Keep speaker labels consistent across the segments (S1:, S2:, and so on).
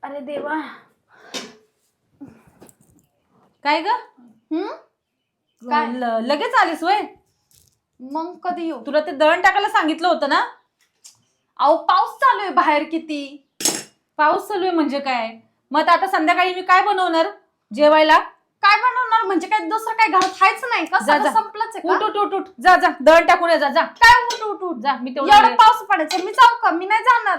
S1: अरे देवा.
S2: काय ग?
S1: काय?
S2: लगेच आलीस वय?
S1: मग कधी येऊ?
S2: तुला ते दळण टाकायला सांगितलं होतं ना.
S1: अहो पाऊस चालू आहे बाहेर किती.
S2: पाऊस चालू आहे म्हणजे काय? मग आता संध्याकाळी मी काय बनवणार जेवायला?
S1: काय बनवणार म्हणजे काय दुसरं काय घरात खायचं नाही का?
S2: जा,
S1: सगळं
S2: जा.
S1: संपलंच आहे का?
S2: उठ उठ उठ उठ जा जा दळण टाकून ये जा जा.
S1: काय उठ उठ उठ
S2: जा मी
S1: एवढा
S2: तेवढं.
S1: पाऊस पडायचा मी जाऊ का? मी नाही जाणार.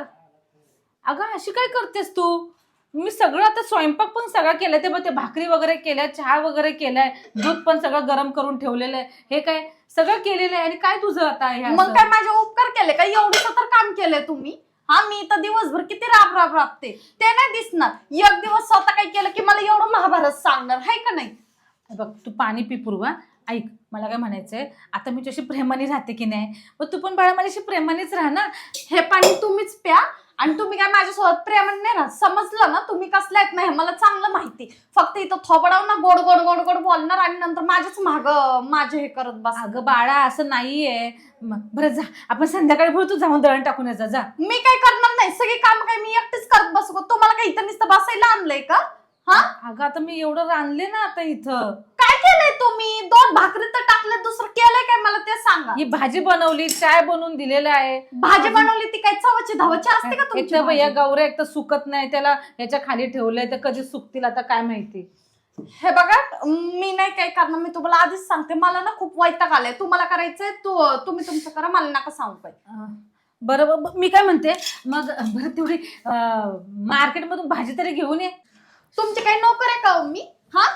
S2: अगं अशी काय करतेस तू? मी सगळं आता स्वयंपाक पण सगळा केलाय ते बघ, ते भाकरी वगैरे केल्या, चहा वगैरे केलाय, दूध पण सगळं गरम करून ठेवलेलं आहे. हे काय सगळं केलेलं आहे आणि काय तुझं आता हे
S1: मग
S2: असं?
S1: काय माझे उपकार केले का? एवढं तर काम केलंय तुम्ही. हा मी तर दिवसभर किती राब राब राबते ते नाही दिसणार. एक दिवस स्वतः काय केलं की मला एवढं महाभारत सांगणार आहे का नाही?
S2: बघ तू पाणी पी पूर्वा. ऐक मला काय म्हणायचंय, आता मी तुझ्याशी प्रेमाने राहते की नाही, मग तू पण बाळा माझ्याशी प्रेमानेच राहा ना.
S1: हे पाणी तुम्हीच प्या आणि तुम्ही काय माझ्यासोबत प्रेमाने नाही राहत. समजलं ना? तुम्ही कसले आहेत नाही मला चांगलं माहिती. फक्त इथं थोबडाव ना गोड गोड गोड गोड बोलणार आणि नंतर माझ्याच माग माझे हे करत बस.
S2: अगं बाळा असं नाहीये. बरं जा आपण संध्याकाळी बोलू, तू जाऊन दळण टाकून यायचा जा.
S1: मी काय करणार नाही. सगळी काम काय मी एकटीच करत बसू का? तुम्हाला काय इथं नुसतं बसायला आणलंय का? हा
S2: अगं आता मी एवढं रांधले ना आता इथं.
S1: काय केलंय तुम्ही? 2 भाकरी तर टाकल्या, दुसरं केलंय काय मला ते सांगा.
S2: ही भाजी बनवली, चाय बनवून दिलेला आहे.
S1: भाजी बनवली ती काय चवाची धावाची असते का
S2: एक
S1: तुमची
S2: तर भैया
S1: भाजी?
S2: गौऱ्या एक तर सुकत नाही, त्याला याच्या खाली ठेवलंय तर कधी सुकतील आता काय माहिती.
S1: हे बघा मी नाही काय करणार. मी तुम्हाला आधीच सांगते मला ना खूप वैताग आलाय. तुम्हाला करायचंय तुम्ही तुमचं करा, मला नका सांगू काय.
S2: बरं मी काय म्हणते मग, बरं तेवढी मार्केटमधून भाजी तरी घेऊन ये.
S1: तुमचे काही नोकर आहे का हो मी? हा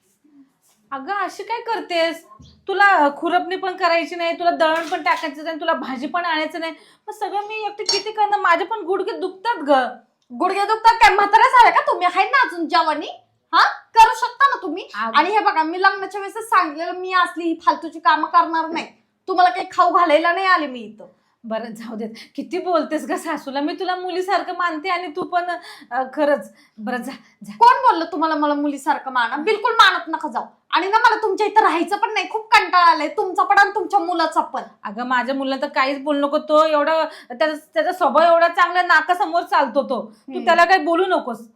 S2: अगं अशी काय करतेस? तुला खुरपणी पण करायची नाही, तुला दळण पण टाकायचं नाही, तुला भाजी पण आणायचं नाही, मग सगळं मी एकटी किती करणार? माझे पण गुडघे दुखतात ग.
S1: गुडघे दुखतात काय? म्हातारे झाले का तुम्ही? आहे ना अजून जवानी? हा करू शकता ना तुम्ही. आणि हे बघा मी लग्नाच्या वेळेस सांगितलेलं मी असली ही फालतूची कामं करणार नाही. तुम्हाला काही खाऊ घालायला नाही आले मी इथं.
S2: बरं जाऊ देत, किती बोलतेस ग सासूला. मी तुला मुलीसारखं मानते आणि तू पण खरंच. बरं जा जा.
S1: कोण बोललं तुम्हाला मला मुलीसारखं माना? बिलकुल मानत नका जाऊ. आणि ना मला तुमच्या इथं राहायचं पण नाही. खूप कंटाळा आलाय तुमचा पण आणि तुमच्या मुलाचा पण.
S2: अगं माझ्या मुलाला तर काहीच बोलू नको. तो एवढा त्याचा स्वभाव एवढा चांगला नाकासमोर चालतो तो. तू त्याला काही बोलू नकोस.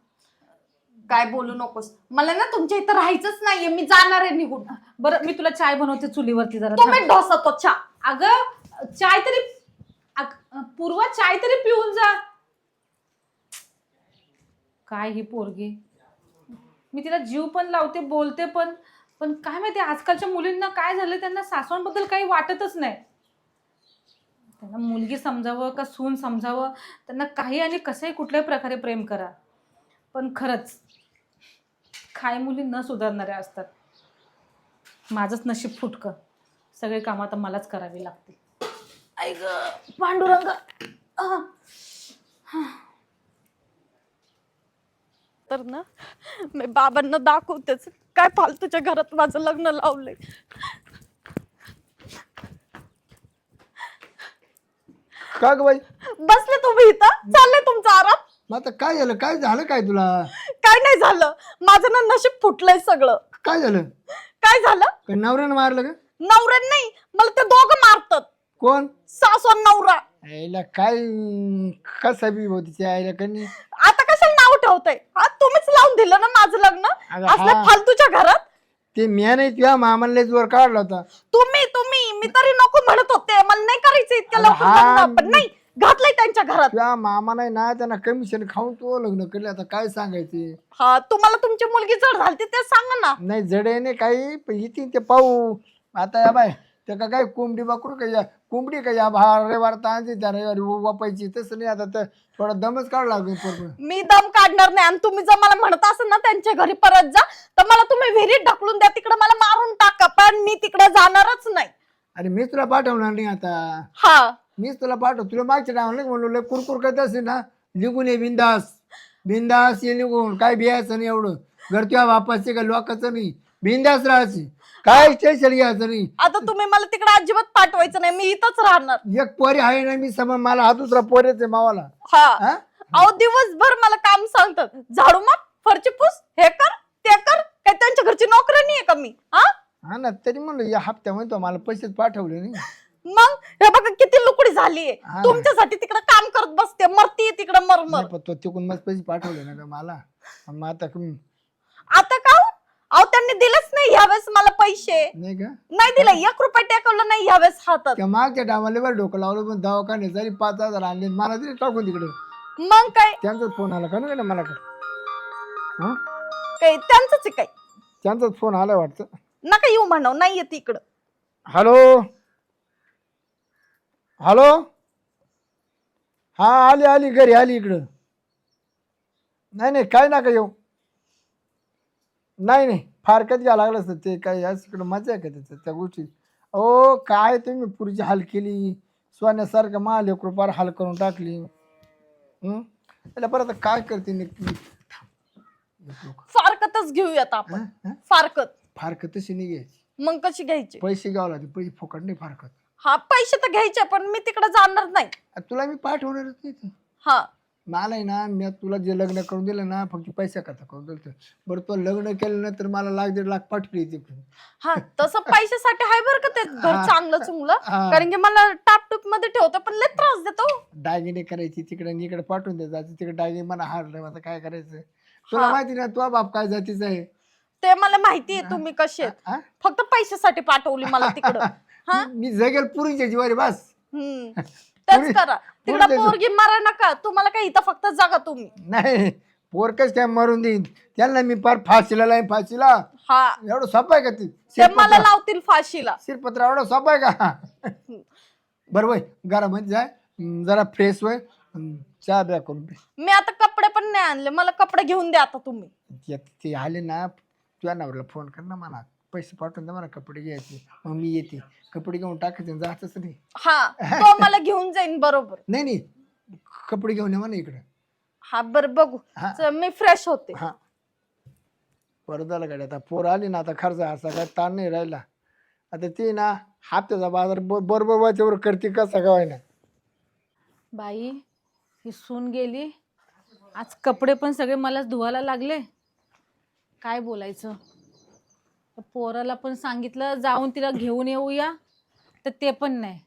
S1: काय बोलू नकोस. मला ना तुमच्या इथं राहायचंच नाहीये. मी जाणार आहे निघून.
S2: बरं मी तुला चाय बनवते चुलीवरती जरा.
S1: तुम्ही ढोसा तो चहा.
S2: अगं चाय तरी पूर्वा चाय तरी पिऊन जा. काय ही पोरगी, मी तिला जीव पण लावते बोलते पण पण काय माहिती आजकालच्या मुलींना काय झालं, त्यांना सासवांबद्दल काही वाटतच नाही. त्यांना मुलगी समजावं का सून समजावं, त्यांना काही आणि कसंही कुठल्याही प्रकारे प्रेम करा. पण खरंच काही मुली न सुधारणाऱ्या असतात. माझंच नशीब फुटकं. सगळे कामं आता मलाच करावी लागतील. आई ग पांडुरंग.
S1: तर ना मी बाबांना दाखवतेच काय फालतूच्या घरात माझं लग्न लावलंय.
S3: का ग बाई?
S1: बसले तुम्ही इथं, चाललंय तुमचा आराम.
S3: मग आता काय झालं? काय झालं काय तुला?
S1: काय नाही झालं. माझं ना नशीब फुटलंय सगळं.
S3: काय झालं?
S1: काय झालं?
S3: काय नवऱ्यानं मारलं का?
S1: नवऱ्यान नाही मला ते दोघं मारतात.
S3: कोण?
S1: सासू आणि नवरा.
S3: आईला काय कसा बी होती त्या आईला कनी.
S1: आता कशाला नाव ठेवताय? हा तुम्हीच लावून दिलं ना माझं लग्न
S3: अगं
S1: असल्या
S3: हा.
S1: फालतूच्या घरात.
S3: ते म्या नाही तुझ्या मामाला जोर काढला होता.
S1: तुम्ही मी तरी नको म्हणत होते. मला नाही करायचं इतक्या लवकर
S3: हा.
S1: लग्न. पण नाही घातलंय त्यांच्या घरात.
S3: तुझ्या मामा नाही ना, त्यांना कमिशन खाऊन तो लग्न केलं. आता काय सांगायचे?
S1: हा तुम्हाला तुमची मुलगी जड झाली ते सांगा ना.
S3: नाही जडे नाही काही, पण इथे ते पाहू. आता या बाय ते का काय कोंबडी बाकरू का या कोंबडी का या रविवार तांची त्या रविवारी वापायची. तसं नाही, आता तर थोडा दमच काढला लागेल.
S1: मी दम काढणार नाही. आणि तुम्ही जर मला म्हणत असाल ना त्यांच्या घरी परत जा, तर मला तुम्ही विहिरीत ढकलून द्या, तिकडे मला मारून टाका, पण मी तिकडे जाणारच नाही.
S3: अरे मीच तुला पाठवणार नाही आता.
S1: हा
S3: मीच तुला पाठव. तुला मागच्या टायमाला म्हणलो कुरकुर करत असेल ना, निघून ये बिंदास. बिंदास ये निघून. काय बियायचं नाही एवढं. घर तुझ्या बापाचे का लोकांचं नाही. बिंदास राहायची. काय टेन्शन घ्यायचं नाही.
S1: आता तुम्ही मला तिकडे अजिबात पाठवायचं नाही. मी इथंच राहणार.
S3: एक पोरी आहे ना मी सम मला हा दुसरा पोरेच आहे मावाला.
S1: हा
S3: हा?
S1: अहो दिवसभर मला काम सांगतात. झाडू मार, फरची पुस, हे कर ते कर. काय त्यांच्या घरची नोकरी नाहीये का मी? हा
S3: हा ना, तरी म्हणलं या हप्त्यामध्ये तो मला पैसेच पाठवले नाही.
S1: मग हे बघा किती लुकडी झालीये.
S3: हा.
S1: तुमच्यासाठी तिकडे काम करत बसते, मरती तिकडे मरमर.
S3: नाही, पण तो तिकून मस्त पैसे पाठवले ना ग मला. मग आता
S1: आता का हो? अहो त्यांनी दिलंच नाही यावेळेस मला पैसे.
S3: नाही का
S1: नाही दिलं, 1 रुपया टेकवलं नाही यावेळेस हातात.
S3: त्या मागच्या डामाले बरं डोकं लावलं, पण दवाखान्यात जरी 5,000 आणले मला तरी टाकून तिकडे.
S1: मग काय
S3: त्यांचाच फोन आला का ना मला का हा
S1: काय त्यांचंच आहे काय.
S3: त्यांचाच फोन आला वाटतं.
S1: नका येऊ म्हणाव, नाही येत इकडं.
S3: हॅलो हॅलो, हा आली घरी आली इकडं. नाही काय नका येऊ. नाही फारकत घ्या लागलं असतं ते काय आज इकडं मजा आहे का त्याचं त्या गोष्टी. ओ काय तुम्ही पुरीची हाल केली, सोन्यासारखं माल 1 रुपयावर हाल करून टाकली. त्याला परत काय करते नक्की.
S1: फारकतच घेऊयात आपण. फारकत
S3: फारकत तशी नाही घ्यायची,
S1: मग कशी घ्यायची.
S3: पैसे घ्यावं लागते, पैसे फुकट नाही फारकत.
S1: हा पैसे तर घ्यायचे, पण मी तिकडे जाणार नाही.
S3: तुला मी पाठवणारच नाही तर.
S1: हा
S3: मला आहे ना, मी तुला जे लग्न करून दिलं ना फक्त पैसा करता करून दिलं. बरं तो लग्न केलं ना तर मला 1,00,000-1,50,000 पाठवली ती.
S1: हा तसं पैशासाठी आहे बरं का ते घर चांगलं चुंगलं. कारण की मला टापटूप मध्ये ठेवतो पण लय त्रास देतो.
S3: दागिने करायची तिकडे इकडे पाठवून द्यायचं, तिकडे दागिने मला हारलं, आता काय करायचं. तुला माहिती ना तुझा बाप काय जातीचा आहे
S1: ते मला माहितीये तुम्ही कसे आहेत. फक्त पैशासाठी पाठवली मला तिकडं. हा
S3: मी जगेल पुरीच्या जीवारी बस.
S1: तेच करा तिकडं. पोरगी मारा नका, तुम्हाला काय इथं फक्त जागा तुम्ही.
S3: नाही पोरकच काय मरून देईन त्यांना मी पार फाशीला लाईन फाशीला.
S1: हा
S3: एवढं सोपं आहे का
S1: ते मला लावतील फाशीला.
S3: शिरपत्र एवढं सोपं आहे का. बरं वय घरामध्ये जाय, जरा फ्रेश वय, चहा ब्या करून पे.
S1: मी आता कपडे पण नाही आणले, मला कपडे घेऊन द्या आता तुम्ही.
S3: ते आले ना तुझ्या नवऱ्याला फोन कर ना, मला पैसे पाठवून दे, मला कपडे घ्यायचे. मग मी येते कपडे घेऊन टाकायचे, जातच नाही.
S1: हा तो मला घेऊन जाईन बरोबर.
S3: नाही कपडे घेऊन ये म्हणा इकडे.
S1: हा बरं बघू. मी फ्रेश होते.
S3: हा परत झालं गाडी. आता पोर आली ना, आता खर्च असा काय ताण नाही राहिला. आता ती ना हप्त्याचा बाजार बरोबर वाच्यावर करते कसा काय ना.
S2: बाई ही सून गेली, आज कपडे पण सगळे मलाच धुवायला लागले. काय बोलायचं. पोराला पण सांगितलं जाऊन तिला घेऊन येऊया, तर ते पण नाही.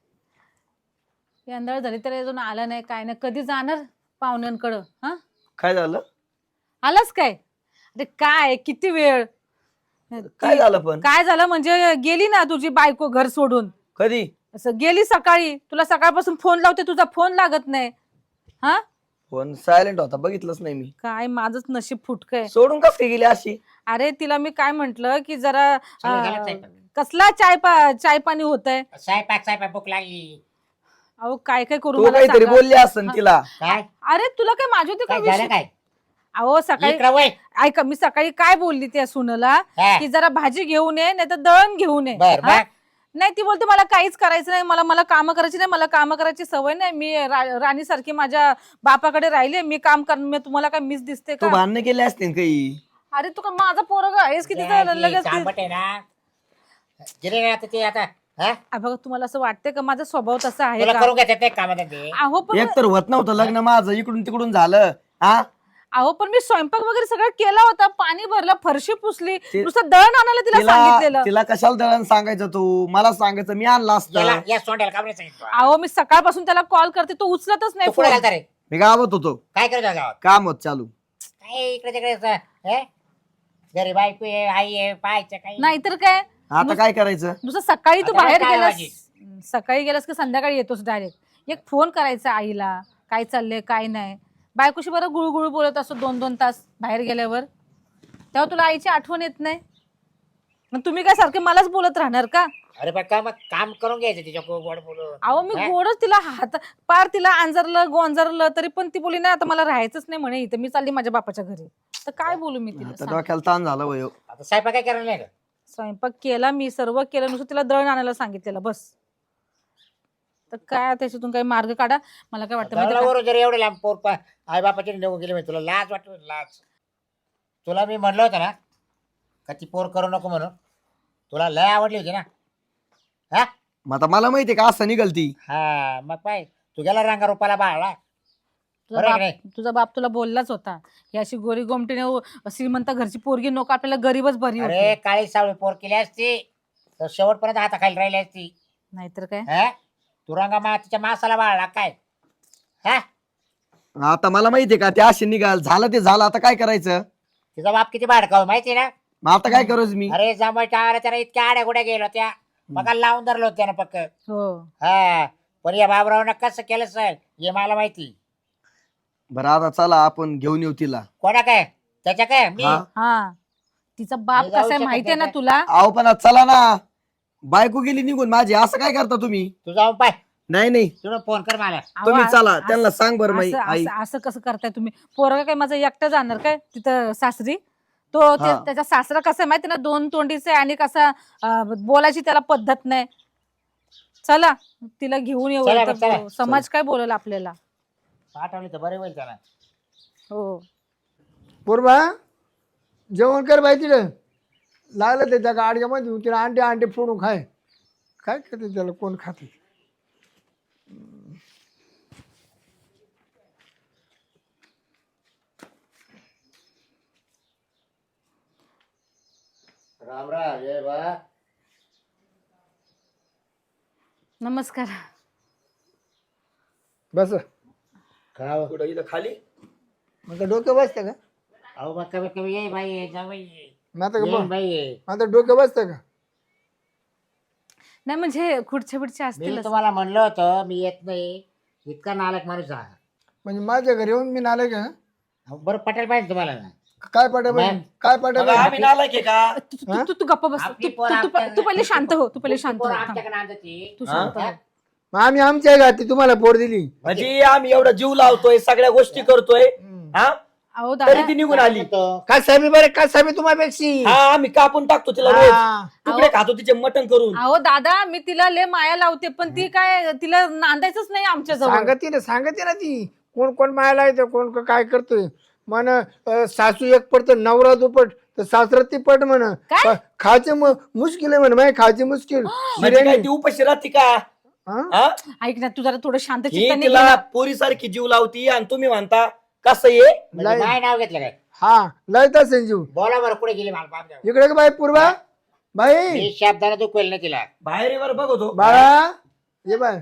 S2: यंदा झाली तर अजून आला नाही, काय नाही. कधी जाणार पाहुण्यांकडं. हा
S4: काय झालं?
S2: आलाच काय. अरे काय किती वेळ.
S4: काय झालं पण?
S2: काय झालं म्हणजे गेली ना तुझी बायको घर सोडून.
S4: कधी?
S2: असं गेली सकाळी. तुला सकाळपासून फोन लावते, तुझा फोन लागत नाही. हा
S4: फोन सायलेंट होता, बघितलंच नाही मी.
S2: काय माझंच नशीब फुटकय.
S4: सोडून का गेली अशी?
S2: अरे तिला मी काय म्हंटल की जरा कसला चाय पाणी होतंय.
S5: स्वयंपाक भूक लागली.
S2: अहो काय काय करू
S4: तू
S2: मला
S4: काहीतरी
S2: सांगा.
S4: बोलली असन तिला.
S5: काय
S2: अरे तुला काय माझी होती का
S5: काय झालं
S2: विषय?
S5: काय
S2: अहो सकाळी
S5: इकडं वळ.
S2: ऐका, मी सकाळी काय बोलली त्या सुनला
S5: हा.
S2: की जरा भाजी घेऊन ये, नाही तर दळण घेऊन ये.
S5: बर
S2: हा?
S5: बर
S2: नाही ती बोलते मला काहीच करायचं नाही, मला काम करायची नाही, मला काम करायची सवय नाही. मी राणी सारखी माझ्या बापाकडे राहिले, मी काम कर. मी तुम्हाला काय मिस दिसते
S4: तू
S2: का?
S4: भांडणं केले असतील काही.
S2: अरे तू का माझा पोरगा आहेस की तिथं लगेच
S5: तांबट आहे ना. गिरे आता ते आता हा?
S2: बघा तुम्हाला असं वाटतंय का माझा स्वभाव तसा आहे
S5: तुला
S2: का?
S5: करून घेतात ते कामात ते.
S2: अहो पण
S4: एक तर होत नव्हतं लग्न माझं, इकडून तिकडून झालं. हा
S2: अहो पण मी स्वयंपाक वगैरे सगळं केला होता, पाणी भरलं, फरशी पुसली,
S4: ते-
S2: नुसतं दळण आणायला तिला सांगितलेलं.
S4: तिला कशाला दळण सांगायचं तू? मला सांगायचं, मी आणला
S5: याला
S4: असतं.
S5: या सोंड्याला काम नाही सांगितलं.
S2: अहो मी सकाळपासून त्याला कॉल करते, तो उचलतच नाही
S5: तू कुठे
S2: फोन.
S5: घालता रे?
S4: मी गावात होतो,
S5: काय करत होता गावात?
S4: काम होत चालू.
S5: काय इकडे तिकडे घरी बायको आहे, आई आहे, पाहायचं काही
S2: नाहीतर काय.
S4: आता काय करायचं?
S2: नुसतं सकाळी तू
S5: आता
S2: बाहेर
S5: काय
S2: गेलास, सकाळी गेलास की संध्याकाळी येतोस डायरेक्ट. एक फोन करायचा आईला, काय चाललंय काय नाही. बायकोशी बरं गुळगुळ बोलत असतो 2-2 तास बाहेर गेल्यावर, तेव्हा तुला आईची आठवण येत नाही. मग तुम्ही काय सारखे मलाच बोलत राहणार का?
S5: अरे पण का मग काम करून घ्यायचं तिच्या गोड बोलून.
S2: अहो मी गोडच तिला पार तिला अंजरलं गोंजरलं, तरी पण ती बोली नाही आता मला राहायचंच नाही म्हणे इथं, मी चालली माझ्या बापाच्या घरी. तर काय बोलू मी तिला
S4: आता
S2: सांग.
S4: डोक्याला ताण झाला वय.
S5: आता स्वयंपाक काय करायला नाही का?
S2: स्वयंपाक केला मी, सर्व केलं, नुसतं तिला दळण आणायला सांगितलेलं बस. तर काय त्याच्यातून काही मार्ग काढा. मला काय वाटतं माहिती आहे का?
S5: दळणावरून जर एवढे लांब पोर आई बापाची निघून गेली म्हणजे तुला लाज वाटत? लाज. तुला मी म्हणलं होतं ना का ती पोर करू नको म्हणून. तुला लय आवडली होती ना. हा
S4: मग आता मला माहितीये का असं निघल ती.
S5: हा मग पाय तू गेला रंगा रुपाला बाळला.
S2: तुझा बाप तुला बोललाच होता, ही अशी गोरी गोमटीने श्रीमंत घरची पोरगी नको, आपल्याला गरीबच बरी
S5: अरे
S2: होती.
S5: काळी सावळी पोर केली असती तर शेवटपर्यंत हाताखाली राहिली असती.
S2: नाहीतर काय.
S5: हा तू रंगा तिच्या मासाला बाळला काय हा
S4: आता मला माहितीये का ते असे निघाल झालं ते झालं आता काय करायचं
S5: तिचा बाप किती भाडकाव माहिती ना
S4: मग आता काय करायचं मी
S5: अरे जमायच्या आला त्याला इतक्या आड्या गुड्या गेलो त्या मग लावून धरलो होतं त्यानं पक्क
S2: हो
S5: हा पण या बाबरावनं कसं केलं सर हे मला माहिती
S4: बरं आता चला आपण घेऊन येऊ तिला
S5: कोणा काय त्याच्या काय मी
S4: हा.
S2: हा तिचा बाप
S5: मी जाऊ
S2: कसा आहे
S5: शकत
S2: माहितीये ना
S5: नाही.
S2: तुला
S4: अहो पण आता चला ना बायको गेली निघून माझी असं काय करता तुम्ही
S5: तू जाऊन पाय
S4: नाही नाही
S5: तुला फोन कर मला
S2: अहो,
S4: तुम्ही चला
S2: असं-
S4: त्यांना सांग बरं माई
S2: असं-
S4: आई
S2: असं- असं कसं करताय तुम्ही पोरगा काय माझं एकटं जाणार काय तिथं सासरी तो
S4: हा.
S2: त्याचा सासरा कसं आहे माहिती ना दोन तोंडीचे आणि कसा बोलायची त्याला पद्धत नाही चला तिला घेऊन येऊ
S5: चला,
S2: तर
S5: चला.
S2: समाज काय बोलेल आपल्याला
S5: पाठवली तर बरे होईल त्याला
S2: हो
S3: पूर्वा जेवण कर बाई तिला लागलं ते त्या गाडग्यामध्ये तिला अंडे फोडून खाय काय खाते त्याला कोण खाते
S5: राम राम ये बा
S2: नमस्कार
S3: बस
S5: खाव
S4: कुठं इथं खाली
S3: मग डोकं बसतं का
S5: अहो मग कमी कमी ये बाई ये जा बाई ये
S3: मग आता
S5: ये बाई ये
S3: आता डोकं बसतं का
S2: नाही म्हणजे खुर्च्या बिडच्या
S5: मी
S2: असतील
S5: तुम्हाला म्हणलं होतं मी येत नाही इतका नालायक माणूस हा
S3: म्हणजे माझ्या घरी येऊन मी नाले का
S5: अहो, बरं पटेल पाहिजे तुम्हाला ना
S3: काय पाठा
S5: मॅम.
S3: काय पाठा
S4: बघा, आम्ही नालायक आहे का
S2: तू गप्प बस
S5: आपली
S2: तू-
S5: पोरं
S2: तू- तू-
S5: आपल्याला-
S2: तू पहिले शांत हो तू पहिले शांत हो
S5: पोरं
S2: थांब.
S5: आमच्याकडे आणतात
S2: तू
S4: हा?
S2: शांत हो
S3: मग आम्ही आमच्या घाती तुम्हाला पोर दिली
S4: म्हणजे आम्ही एवढा जीव लावतोय सगळ्या गोष्टी करतोय हा
S2: अहो
S4: तरी
S2: दादा
S4: ती निघून आली
S3: काय साहेब बरे काय साहेब तुम्हापेक्षा
S4: हा आम्ही कापून टाकतो तिला रोज
S3: हा.
S4: तुकडे खातो तिचे मटण करून
S2: अहो दादा मी तिला लय माया लावते पण ती काय तिला नांदायचंच नाही आमच्या जवळ
S3: सांगते ना ती कोण कोण मायाला येतं कोण काय करतोय म्हण सासू एक पडत नवरा दुपट तर सासरा ती पट म्हण
S2: काय?
S3: खायचे मुश्किल आहे म्हण माय खायचे मुश्किल
S4: म्हणजे काय ती उपाशी राहते का
S3: हा?
S4: हा?
S2: ऐक ना तू जरा थोडं शांत
S4: ही
S2: चित्ताने घे
S4: तिला
S2: ना.
S4: पोरीसारखी जीव लावती आणि तुम्ही म्हणता कसं ये
S3: लय-
S5: काय नाव घेतलं काय
S3: हा लयता संजीव
S5: बोला बरं कुठे गेली मला पाहून द्या.
S3: इकडे का बाई पूर्वा बाई
S5: मी शब्दाने दुखवेल नाही तिला
S4: बाहेर वर बघतो
S3: बाळा ये बाय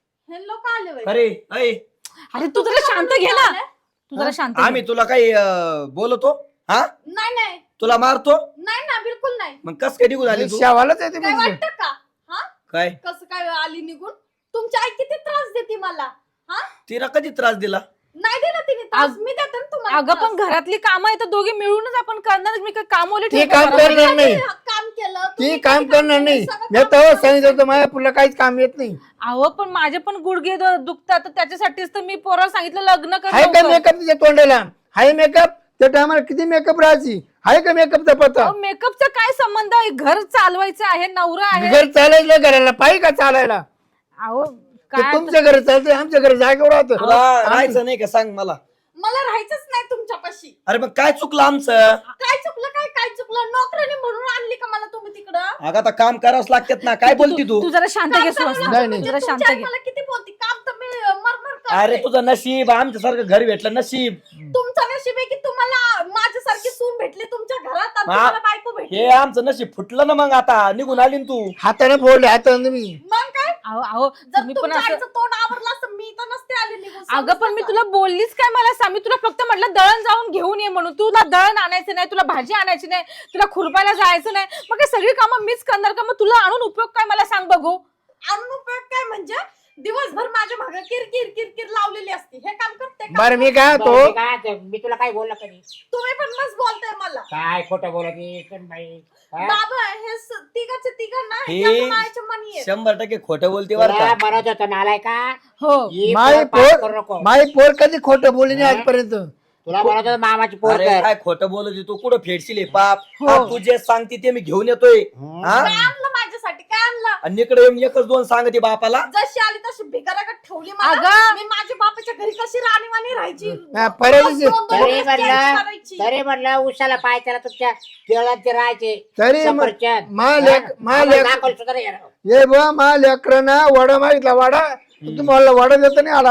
S1: हे लोक आले बाई.
S4: अरे ऐ
S2: अरे तू जरा शांत घे ना तू जरा शांत घे.
S4: आम्ही तुला काही बोलतो हा
S1: नाही नाही
S4: तुला मारतो
S1: नाही ना बिलकुल नाही
S4: मग कस काय निघून आली तू
S3: शावालाच आहे
S1: काय
S3: तुम्ही
S1: वाटतं का हा
S4: काय
S1: कसं काय आली निघून तुमची आई किती त्रास देते मला हा
S4: तिला कधी त्रास दिला
S1: नाही दिला तिने त्रास मी देते ना तुम्हाला
S2: अगं
S1: त्रास.
S2: पण घरातली कामं आहे तर दोघे मिळूनच आपण करणार मी काय कामवले
S3: ते काम करणार नाही
S1: काम केलं
S3: ती
S1: तुम्ही
S3: काम
S1: कधी
S3: करणार नाही
S1: सगळं
S3: मी
S1: काम
S3: तेव्हा
S1: केलं.
S3: सांगितलं होतं माझ्या पुढला काहीच काम येत नाही
S2: अहो पण माझे पण गुडघे दुखतात तर त्याच्यासाठीच तर मी पोराला सांगितलं लग्न कर
S3: हाय का
S2: लवकर.
S3: मेकअप तिच्या तोंडाला हाय मेकअप त्या टायमाला किती मेकअप राहायची हाय का मेकअपचा पत्ता
S2: अहो, मेकअपचा काय संबंध आहे घर चालवायचं आहे नवरा आहे
S3: घर चालायचं घराला पाहिजे का चालायला
S2: अहो
S3: ते
S2: काय
S3: तुमच्या घरी चालतंय आमच्या घरी जागेवर राहतं
S4: तुला राहायचं नाही का सांग मला
S1: मला राहायचंच नाही तुमच्यापाशी
S4: अरे मग काय चुकलं आमचं
S1: काय चुकलं काय चुकलं नोकराने म्हणून आणली का मला तुम्ही तिकडं
S4: अगं आता काम करावंच लागतात ना काय बोलती तू
S2: तू जरा शांत घे सुहास
S3: नाही, नाही.
S2: जरा शांत
S1: तुमची आई
S2: घे
S1: मला किती बोलती काम तर मी मरमर करते.
S4: अरे तुझं नशीब आमच्यासारखं घर भेटलं नशीब
S1: तुमचं नशीब आहे की तुम्हाला माझ्यासारखी सून भेटली तुमच्या घरात आणि
S4: मा-
S1: तुम्हाला बायको भेटली
S4: हे आमचं नशीब फुटलं ना मग आता निघून आली ना तू
S3: हाताने फोडले हाताने तुम्ही
S1: मग काय
S2: अहो अहो
S1: जर
S2: तुम्ही पण
S1: तुमच्या
S2: असं
S1: आईचं तोंड आवरलं असतं मी तर नसते आली निघून
S2: अगं पण मी
S1: समजलं
S2: तुला बोललीच काय मला सांग मी तुला फक्त म्हटलं दळण जाऊन घेऊन ये म्हणून तुला दळण आणायचं नाही तुला भाजी आणायची नाही तुला खुरपायला जायचं नाही मग हे सगळी कामं मीच करणार का मग तुला आणून उपयोग काय मला सांग बघू
S1: का? आणून उपयोग काय म्हणजे दिवसभर माझ्या मागे किरकिर किरकिर लावलेली असते हे काम करते का
S3: बरं मी काय
S5: बरं,
S3: होतो
S5: मी काय ते- मी तुला काय बोललो कधी
S1: तुम्ही पण मस्त बोलताय मला
S5: काय खोटं बोलत बाई हा?
S1: बाबा हे तिघाचे तिघांना
S4: हे-
S1: ह्याच्या मायच्या मनी आहेत
S4: 100% खोटं बोलते बरं
S5: तुला
S4: का
S5: म्हणत होतो नालाय का
S2: हो
S3: माई
S5: करू
S3: पोर
S5: नको
S3: माई पोर कधी खोटं बोलली नाही आजपर्यंत
S5: तुला म्हणत होतो मामाची पोर
S4: अरे
S5: कर
S4: काय खोटं बोलत तू कुठं फेडशील हे पाप
S2: हो.
S4: हा, तू जे सांगते ते मी घेऊन येतोय हा
S1: काय आणलं माझ्यासाठी काय आणलं
S4: आणि इकडे येऊन एकच दोन सांगते बापाला
S1: जशी आली तशी भिकाराकडे ठेवली मला
S2: अगं.
S1: मी माझ्या बापाच्या घरी कशी राणीवाणी राहायची
S3: हा, परवा दिवशी-
S1: रोज दोन-दोन
S5: तरी
S1: वेळेस
S5: म्हणलं
S1: change करायची.
S5: तरी म्हणलं उशाला पाय त्याला तुमच्या केळात ते राहायचे
S3: तरी
S5: सफरचंद.
S3: मालेक
S5: हा?
S3: मालेक
S5: आम्हाला दाखवलं सुद्धा नाही यार.
S3: ये बा मा लेकरांना वडा मागितला वडा तुम्हाला वडा देता नाही आला आणून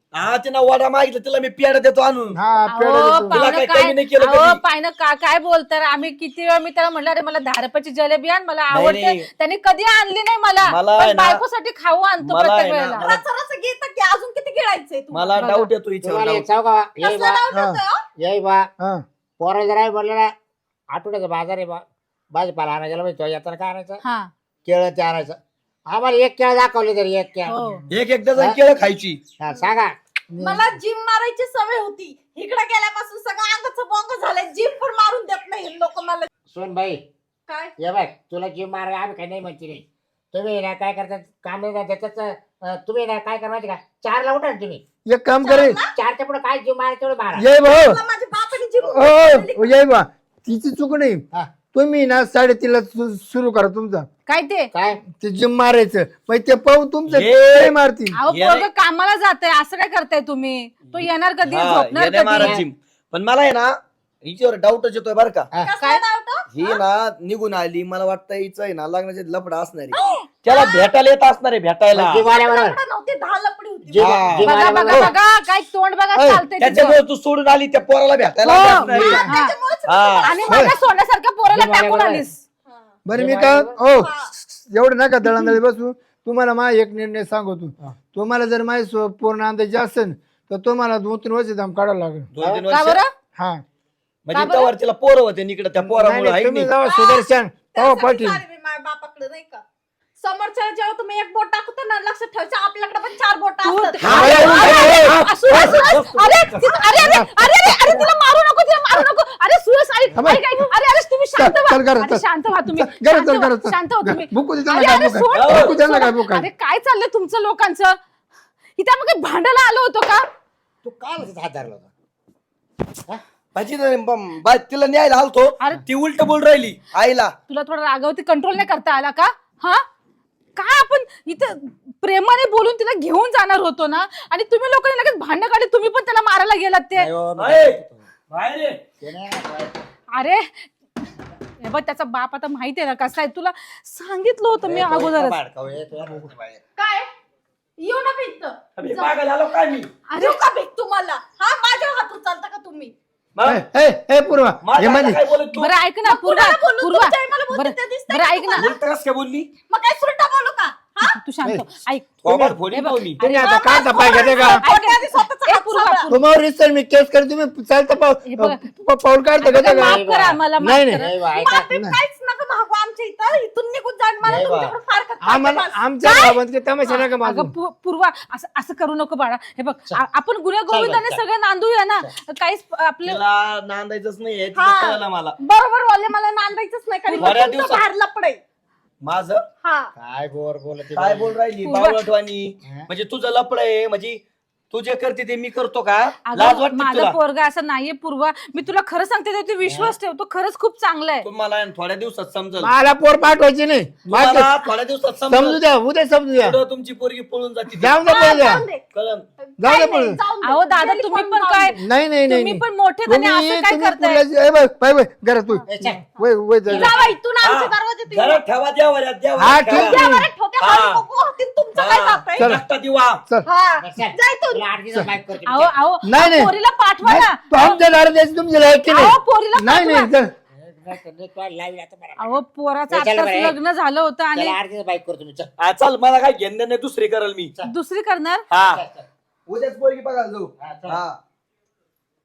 S4: हा तिनं वडा मागितलं तिला मी पेढा देतो आणून.
S3: हा पेढा
S2: अहो,
S3: देतो.
S4: तुला
S2: पाहुणं
S4: काय
S2: काय
S4: कमी नाही केलं
S2: अहो,
S4: कधी?
S2: पाहुणं काय बोलताय आम्ही किती वेळा मी त्याला म्हटलं अरे मला 10 रुपयाची जलेबी आण मला
S4: नाही,
S2: आवडते
S4: नाही.
S2: त्याने कधी आणली नाही मला
S4: मला आहे
S2: पण
S4: ना-
S2: बायकोसाठी खाऊ आणतो
S4: मला
S2: प्रत्येक
S4: आहे ना-
S2: वेळेला
S1: रच घेत की अजून किती गिळायचंय तुम्हाला?
S4: मला
S2: बघा.
S4: डाऊट येतो
S5: तुम्हाला
S4: हिच्यावर.
S5: एक सांगू का येई
S1: कसला
S5: बा
S1: doubt होतोय, हो?
S5: येई बा
S3: हा.
S5: पोरं जर आहे बोलले ना आठवड्याचा बाजार आहे बा भाजीपाला आणायला माहिती येताना काय आणायचं
S2: हा
S5: केळं ते आणायचं आम्हाला एक केळं दाखवले तरी एक केळं
S2: हो
S4: एक डझन केळं खायची.
S5: हा, सांगा
S1: मला जिम मारायची सवय होती. इकडे गेल्यापासून सगळं अंगाचं बोंग झालंय. जिम पण मारून देत नाही लोक मला.
S5: सोन भाई
S1: काय
S5: ये बघ तुला जीव मार आम्ही काही नाही म्हणते नाही तुम्ही ना काय करतात काम नाही ना त्याच्याच तुम्ही ना काय करा माहिती का 4ला उठा ना तुम्ही
S3: एक काम करे
S5: 4च्या पुढे काय जीव मारा तेवढं मारा
S3: ये भाऊ
S1: मला माझ्या बापाने जिम
S3: ओ ये बा तिची चूक नाही
S5: हा.
S3: तुम्ही ना 3:30ला सुरू करा तुमचा
S2: काय ते
S3: काय ते जिम मारायचं मग ते पाहून तुमचं
S4: ये.
S3: ते मारतील.
S2: अहो
S4: ये
S2: पोरगं
S4: नाही.
S2: कामाला जातंय असं काय करताय तुम्ही तो येणार कधी
S4: हा,
S2: झोपणार
S4: येण्या
S2: कधी
S4: महाराज पण मला आहे ना हिच्यावर डाऊटच येतोय बरं का.
S5: हा.
S1: कसला doubt हो?
S4: ही ना निघून आली मला वाटतं हिचं आहे ना लग्नाचे लफड असणार आहे. त्याला भेटायला येत असणार आहे भेटायला.
S5: जीव आल्याबरोबर
S1: लफडं नव्हती 10 लपडी होती.
S5: जीव
S4: हा.
S5: जीव
S2: बघा बघा
S5: आल्याबरोबर
S2: बघा काय तोंड बघा
S3: ऐ,
S2: चालतंय तिचं.
S4: त्याच्यामुळे तू सोडून आली त्या पोराला भेटायला
S2: हो.
S4: आली असणार आहे.
S2: हा.
S1: त्याच्यामुळेच मी
S4: हा.
S1: तुम्हाला
S2: आणि माझ्या सोन्यासारख्या पोराला
S5: जीव
S2: टाकून
S5: आल्याबरोबर.
S2: आलीस
S1: हा.
S3: बरं मी
S5: जेव्हा
S3: का
S5: आल्यावर-
S3: ओ एवढं नका दळांदळी बसू तुम्हाला मा एक निर्णय सांगतो
S5: हा.
S3: तुम्हाला जर माझी पूर्ण अंदाज असेल तर तुम्हाला 2-3 वर्ष दाम काढावं लागेल
S4: 2-3
S2: का
S4: वर्ष
S2: बरं
S3: हा
S4: म्हणजे
S2: का बरं?
S4: त्यावर तिला पोरं होते इकडे त्या
S3: नाही,
S4: पोरामुळे
S3: नाही,
S4: आहे
S3: तुम्ही
S4: नाही.
S3: जावा सुदर्शन तेव्हा
S1: त्यासाठी
S3: पाटील
S1: चालली मी माझ्या बापाकडे नाही का. समोरच्या जेव्हा तुम्ही एक बोट टाकतो ना लक्षात ठेवायचं आपल्याकडे पण 4 बोट
S2: तू-
S1: असतात.
S3: हा, अरे, अरे, अरे,
S2: असू, असू, असू. अरे अरे अरे अरे अरे अरे तिला मारू नको तिला मारू नको अरे सुरेश ऐक
S3: थांबा.
S2: ऐक, ऐक. अरे अरे तुम्ही शांत
S3: चल, चल,
S2: व्हा
S3: घरात,
S2: अरे,
S3: चल.
S2: शांत व्हा तुम्ही
S3: घरात,
S2: शांत
S3: चल,
S2: व्हा,
S3: घरात, चल.
S2: शांत व्हा तुम्ही
S3: बुकू दे
S2: अरे
S3: त्यांना
S2: अरे
S3: काय
S2: सोड,
S3: बुका. बुकू
S2: सोड.
S3: त्यांना काय बुका.
S2: अरे काय चाललंय तुमचं लोकांचं इथे आपण काही भांडायला आलो होतो का
S5: तू काय म्हणते हात धरला होता
S4: माझी तिला न्यायला आलतो
S2: अरे.
S4: ती उलट बोल राहिली आईला.
S2: तुला थोडा रागावरती कंट्रोल नाही करता आला का हा काय आपण इथं प्रेमाने बोलून तिला घेऊन जाणार होतो ना आणि तुम्ही लोकांनी लगेच भांडण काढले तुम्ही पण त्याला मारायला गेलात ते
S5: नाही हो, मी
S4: अय,
S5: काय म्हणतो.
S4: बाहेर ये.
S5: ते नाही ना, काय.
S2: अरे हे बघ त्याचा बाप आता माहिती आहे ना कसा आहे तुला सांगितलं होतं मी
S5: ए, तो
S2: अगोदरच
S5: इतका भाडकाऊ आहे, तो यार उठ बाहेर.
S1: काय येऊ ना भीक
S4: अबे, पागल झालो काय मी
S1: देऊ का भीक तुम्हाला? हा माझ्या हातून चालता का तुम्ही?
S4: मग?
S3: ए पूर्वा
S4: माझ्या
S3: हे मध्ये
S4: आईला काय बोलत तू
S2: बरं ऐक ना पूर्वा
S1: कुणाला बोलू?
S2: पूर्वा
S1: तुमच्या आई मला बोलते
S2: बरं
S1: ते दिसतंय
S2: बरं
S1: का
S2: ऐक ना
S1: तुम्हाला?
S4: उलट कस काय बोलली
S1: मग काय सुलटा बोलू का? हा?
S2: तू शांत हो. ऐक
S4: थोबाड फोडीन
S2: हे बघ,
S4: भाऊ मी.
S3: तुम्ही आता काय तपाय घेते का
S1: खोट्या आधी स्वतःचा
S2: ए,
S1: हात
S2: पूर्वा,
S1: सांभाळा.
S2: पूर्वा.
S3: तुम्हाला रिसर मी केस कर तुम्ही चालता
S2: हे बघ.
S3: पाऊल काढता का
S2: आता
S3: का
S2: माफ करा आम्हाला माफ
S3: नाही, नाही.
S2: करा
S5: नाही बा, ऐका.
S1: माफी काहीच नका मागू आमच्या इथं. इथून निघून जाण मला
S5: नाही बा.
S1: तुमच्याकडे फारकत
S3: आम्हाला
S1: नाही.
S3: आमच्या गावात काही तमाशा नका माझं
S2: अगं पूर्वा असं असं करू नको बाळा हे बघ आपण गुन्हे गोविंदाने
S5: चल.
S2: सगळे नांदूया ना काहीच आपले
S4: तिला नांदायचंच नाहीये तिचं
S1: हा.
S4: कळलं मला.
S1: बरोबर बोलले मला नांदायचंच नाही कारण
S4: बऱ्या
S1: तुमचं
S4: दिवसात-
S1: बाहेर लपडे.
S4: माझं
S1: हा
S5: काय बोर बोलत
S4: काय बोल राहिली
S2: पूर्वा.
S4: बावळटवाणी
S5: हा.
S4: म्हणजे तुझं लपड आहे म्हणजे तू जे करते ते मी करतो का लाज
S2: अगं
S4: वाटते
S2: माझा
S4: तुला
S2: पोरगा असं नाहीये पूर्वा मी तुला खरं सांगते त्याच्यावरती विश्वास ठेव तो खरंच खूप चांगला आहे
S4: तुम्हाला थोड्या दिवसात समजल
S3: मला पोर पाठवायची नाही
S4: तुम्हाला थोड्या दिवसात
S3: समजू
S4: समजल
S3: द्या उद्या समजू द्या
S4: पुढं तुमची पोरगी पळून जाते
S3: जाऊ द्या
S1: हा,
S3: पळू द्या
S1: जाऊन दे.
S4: कळलं
S3: जाऊ दे
S1: काही
S3: पळून
S1: नाही, जाऊन दे.
S2: अहो दादा
S1: गेली
S2: तुम्ही
S1: पळून
S2: पण
S1: जाऊन
S2: काय
S1: दे.
S3: नाही नाही नाही
S2: तुम्ही
S3: नाही.
S2: पण मोठे आणि असं काय करताय
S3: घरात तू वय वय जा.
S1: जावा इथून आमच्या
S4: हा.
S1: दरवाजात येऊ.
S4: घरात ठेवा द्यावर
S3: हा, ठीक आहे.
S1: द्यावरच ठेवते,
S4: हा.
S1: हात नको होतील, तुमचं काय जातंय?
S3: चल.
S4: एकटा दिवा
S3: चल
S1: हा.
S5: चल.
S1: जा इथून.
S5: तुला 8 दिवस बाईक करतो
S2: अहो अहो
S3: नाही, नाही.
S2: पोरीला पाठवा
S3: नाही,
S2: ना
S3: तू आमच्या दारात द्यायची तुमची लायक की
S2: अहो पोरीला
S3: नाही नाही
S2: पाठवा.
S3: चल
S5: लाईव्ह आता बरं.
S2: अहो पोराचं
S5: चल
S2: आताच
S5: बरं.
S2: लग्न झालं होतं आणि
S5: त्याला 8 दिवस बाईक करतो मी चल
S4: हा, चल मला काय घेणं नाही दुसरी करल मी
S2: दुसरी करणार
S4: हा
S5: चल, चल.
S4: उद्याच पोरगी बघायला जाऊ
S5: हा, चल.
S4: हा